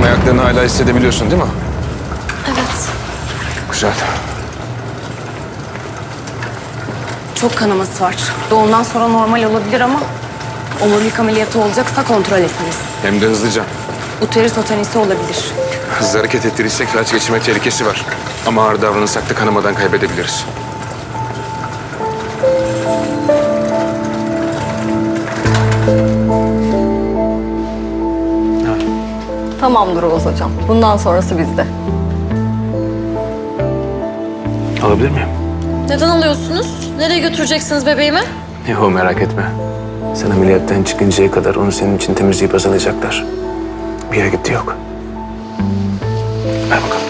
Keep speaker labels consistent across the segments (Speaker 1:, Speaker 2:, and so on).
Speaker 1: Hem ayaklarını hala hissedebiliyorsun değil mi?
Speaker 2: Evet.
Speaker 1: Güzel.
Speaker 2: Çok kanaması var. Doğumdan sonra normal olabilir ama omurilik ameliyatı olacaksa kontrol etmeliyiz.
Speaker 1: Hem de hızlıca.
Speaker 2: Uterus otanisi olabilir.
Speaker 1: Hızlı hareket ettirirsek felç geçirme tehlikesi var. Ama ağır davranırsak da kanamadan kaybedebiliriz.
Speaker 3: Tamamdır Oğuz hocam. Bundan sonrası bizde.
Speaker 1: Alabilir miyim?
Speaker 4: Neden alıyorsunuz? Nereye götüreceksiniz bebeğimi?
Speaker 1: Yahu merak etme. Sen ameliyattan çıkıncaya kadar onu senin için temizleyip hazırlayacaklar. Bir yere gitti yok. Ver bakalım.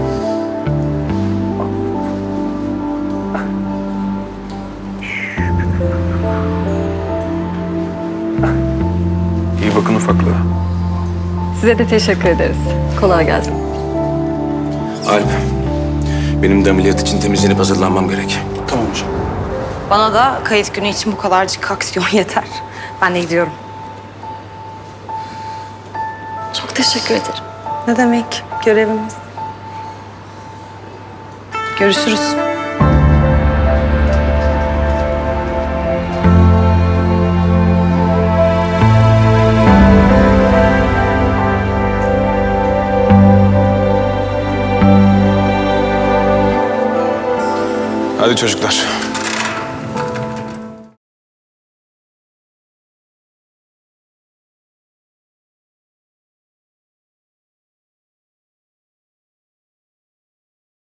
Speaker 1: İyi bakın ufaklığa.
Speaker 3: Size de teşekkür ederiz. Kolay gelsin.
Speaker 1: Alp, benim de ameliyat için temizlenip hazırlanmam gerek.
Speaker 5: Tamam hocam.
Speaker 2: Bana da kayıt günü için bu kadarcık aksiyon yeter. Ben de gidiyorum.
Speaker 4: Çok teşekkür ederim.
Speaker 2: Ne demek? Görevimiz. Görüşürüz.
Speaker 1: Hadi çocuklar.